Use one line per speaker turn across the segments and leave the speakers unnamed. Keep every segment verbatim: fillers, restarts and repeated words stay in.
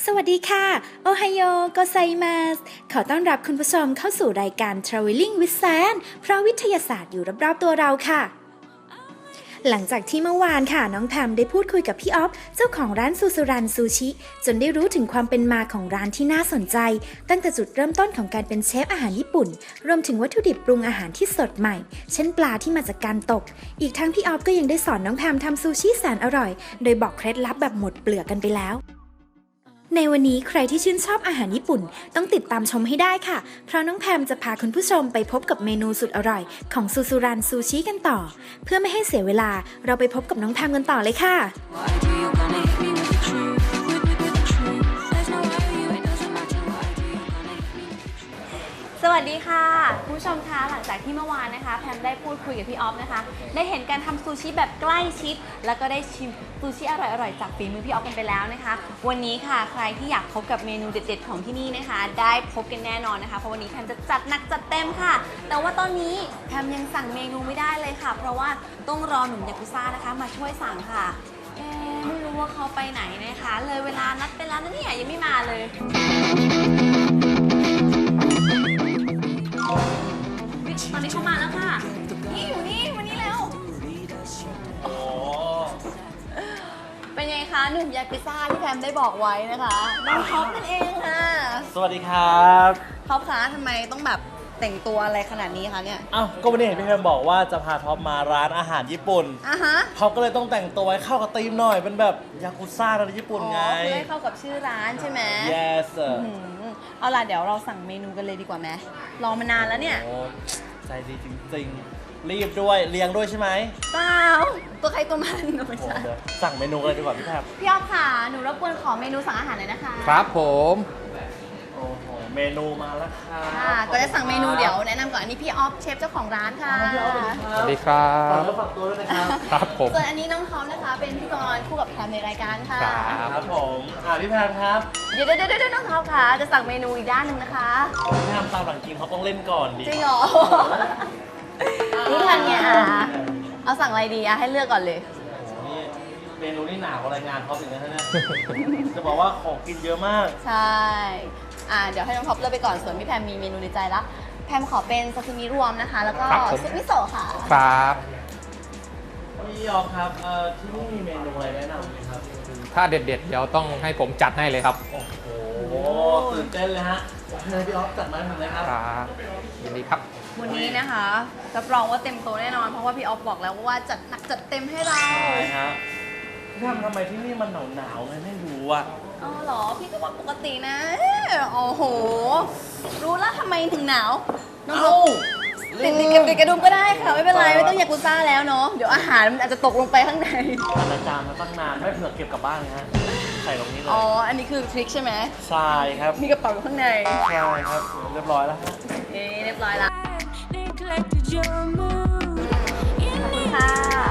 สวัสดีค่ะโอไฮโอโกไซมาสขอต้อนรับคุณผู้ชมเข้าสู่รายการ Traveling with San เพราะวิทยาศาสตร์อยู่รอบๆตัวเราค่ะ หลังจากที่เมื่อวานค่ะน้องแพมได้พูดคุยกับพี่ออฟเจ้าของร้านซูซูรันซูชิจนได้รู้ถึงความเป็นมาของร้านที่น่าสนใจตั้งแต่จุดเริ่มต้นของการเป็นเชฟอาหารญี่ปุ่นรวมถึงวัตถุดิบปรุงอาหารที่สดใหม่เช่นปลาที่มาจากการตกอีกทั้งพี่ออฟก็ยังได้สอนน้องแพมทำซูชิแสนอร่อยโดยบอกเคล็ดลับแบบหมดเปลือกกันไปแล้วในวันนี้ใครที่ชื่นชอบอาหารญี่ปุ่นต้องติดตามชมให้ได้ค่ะเพราะน้องแพมจะพาคุณผู้ชมไปพบกับเมนูสุดอร่อยของซูซูรันซูชิกันต่อเพื่อไม่ให้เสียเวลาเราไปพบกับน้องแพมกันต่อเลยค่ะ
สวัสดีค่ะคุณผู้ชมคะหลังจากที่เมื่อวานนะคะแพมได้พูดคุยกับพี่ออฟนะคะได้เห็นการทำซูชิแบบใกล้ชิดแล้วก็ได้ชิมซูชิอร่อยๆจากฝีมือพี่ออฟกันไปแล้วนะคะวันนี้ค่ะใครที่อยากพบกับเมนูเด็ดๆของที่นี่นะคะได้พบกันแน่นอนนะคะเพราะวันนี้แพมจะจัดหนักจัดเต็มค่ะแต่ว่าตอนนี้แพมยังสั่งเมนูไม่ได้เลยค่ะเพราะว่าต้องรอหนุ่มยากุซ่านะคะมาช่วยสั่งค่ะเอ๊ะไม่รู้ว่าเขาไปไหนนะคะเลยเวลานัดไปแล้วนะเนี่ยยังไม่มาเลยตอนนี้เขามาแล้วค่ะนี่อยู่นี่วันนี้แล้วโอ้เป็นไงคะหนุ่มยากุซ่าที่แพมได้บอกไว้นะคะน้องท็อปนั่นเองค่ะ
สวัสดีครับ
ท็อปคะทำไมต้องแบบแต่งตัวอะไรขนาดนี้คะเนี่ย
อ้าวก็วันนี้เห็นพี่แพมบอกว่าจะพาท็อปมาร้านอาหารญี่ปุ่น
อ่ะฮะ
ท็อปก็เลยต้องแต่งตัวให้เข้ากับธีมหน่อยเป็นแบบยากุซ่าในญี่ปุ่นไง
อ๋อเพื่อให้เข้ากับชื่อร้านใช่ไหม
yes
เอาล่ะเดี๋ยวเราสั่งเมนูกันเลยดีกว่าไหมรอมานานแล้วเนี่ย
โอ้ใจดีจริงๆรีบด้วยเลี้ยงด้วยใช่ไหม
เปล่าตัวใครตัวมันไม่ใช่
สั่งเมนูเลยดีกว่าพี่แพม
พี่ออฟค่ะหนูรบกวนขอเมนูสั่งอาหารหน่อยนะคะ
ครับผม
โอ้โหเมนูมาแล้วค่ะ
ก็จะสั่งเมนูเดี๋ยวแนะนำก่อนอันนี้พี่ออฟเชฟเจ้าของร้านค่ะ
สวัสดีครับ
ฝากตัวฝากตัวด้วยนะครับ
ครับผม
ส่วนอันนี้น้องท็อปนะคะเป็นพิธีกรคู่กับแพมในรายการค่ะ
ครับผมอ่าพี่แพมครับ
เดี๋ยวเดี๋ยวเดี๋ยวน้องท็อปค่ะจะสั่งเมนูอีกด้านหนึ่งนะคะ
พี่แพมตามหลังจริงเขาต้องเล่นก่อนดิ
จริงเหรอรู้ทันไงอ่ะเอาสั่งอะไรดีอ่ะให้เลือกก่อนเลย
นี่เมนูนี่หนากว่ารายงานเขาถึงนะเนี่ยจะบอกว่าของกินเยอะมาก
ใช่อ่าเดี๋ยวให้น้องท็อปเลือกไปก่อนส่วนพี่แพมมีเมนูในใจละแพมขอเป็นซาซิมิรวมนะคะแล้วก็ซุปมิโซะค่ะ
ครับ
พี่ออฟครับเอ่อที่นี่มีเมนูอะไรแนะนำไหมครับ
ถ้าเด็ดๆเดี๋ยวต้องให้ผมจัดให้เลยครับ
โอ้โหตื่นเต้นเลยฮะพี่ออฟจัดมาให้ผมเลยครับ
ครับยินดีครับ
วันนี้นะคะรับรองว่าเต็มโตแน่นอนเพราะว่าพี่ออฟบอกแล้วว่าจัดหนักจัดเต็มให้เรา
ใช่ฮะพี่ทำทำไมที่นี่มันหนาวหนาวไงไม่รู้อ่ะ
อ๋อเหรอพี่ก็ว่าปกตินะโอ้โหรู้แล้วทำไมถึงหนาวน้องติดติดกับติดกระดุมก็ได้ค่ะไม่เป็นไรไม่ต้องยากุซ่าแล้วเนาะเดี๋ยวอาหารมันอาจจะตกลงไปข้างใน
อาจารย์มาตั้งนานไม่เผื่อเก็บกลับบ้านนะฮะใส่ตรงนี้เลย
อ๋ออันนี้คือทริคใช่ไหม
ใช่ครับ
มีกระเป๋าอยู่ข้างใน
ใช่ครับเรียบร้อยแล้วฮะ
เอ๊เรียบร้อยแล้วขอบคุณค่ะ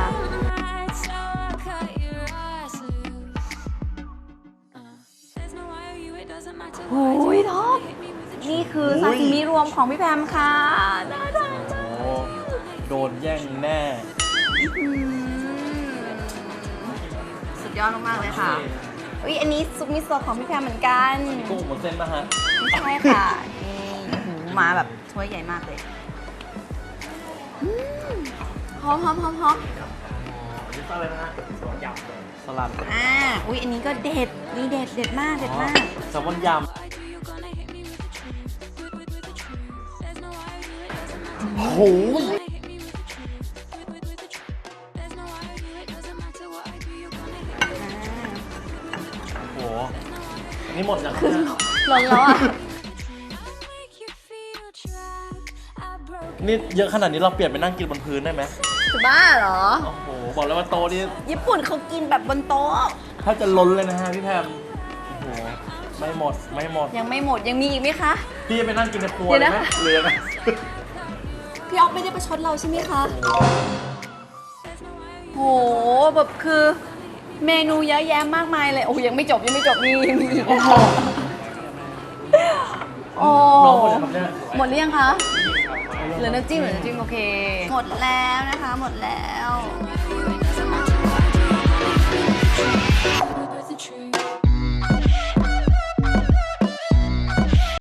โอ้ยท็อปนี่คือซาซิมิรวมของพี่แพมค่ะน่ารักมาก
โดนแย่งแน่
สุดยอดมากๆเลยค่ะอุ้ยอันนี้ซุปมิโซะของพี่แพมเหมือนกัน
กุ้งหมดเส้นป่ะฮะ
ไม่ใช่ค่ะนี่หูมาแบบถ้วยใหญ่มากเลยหอมหอมหอมหอม
อันนี้อะไรนะฮะสลัดยำสลัด
อ่าอุ้ยอันนี้ก็เด็ดนี่เด็ดเด็ดมากเด็ดมาก
แซลมอนยำโอ้โหโอ้โหอันนี้หมดยัง
คือล้นแล้วอ่ะ
นี่เยอะขนาดนี้เราเปลี่ยนไปนั่งกินบนพื้นได้ไหม
จะบ้าเหรอ
โอ้โหบอกแล้วว่าโต๊ะนี่
ญี่ปุ่นเขากินแบบบนโต๊ะ
ถ้าจะล้นเลยนะฮะพี่แพมโอ้โหไม่หมดไม่หมด
ยังไม่หมดยังมีอีกไหมคะ
พี่จะไปนั่งกินในครัวเลยไหมเรือไหม
พี่ออฟไม่ได้ประชดเราใช่ไหมคะโหแบบคือเมนูเยอะแยะมากมายเลยโอ้ยังไม่จบยังไม่จบมีมีอีกโอ้หมดหรือยังคะเหลือน้ำจิ้มเหลือน้ำจิ้มโอเคหมดแล้วนะคะหมดแล้ว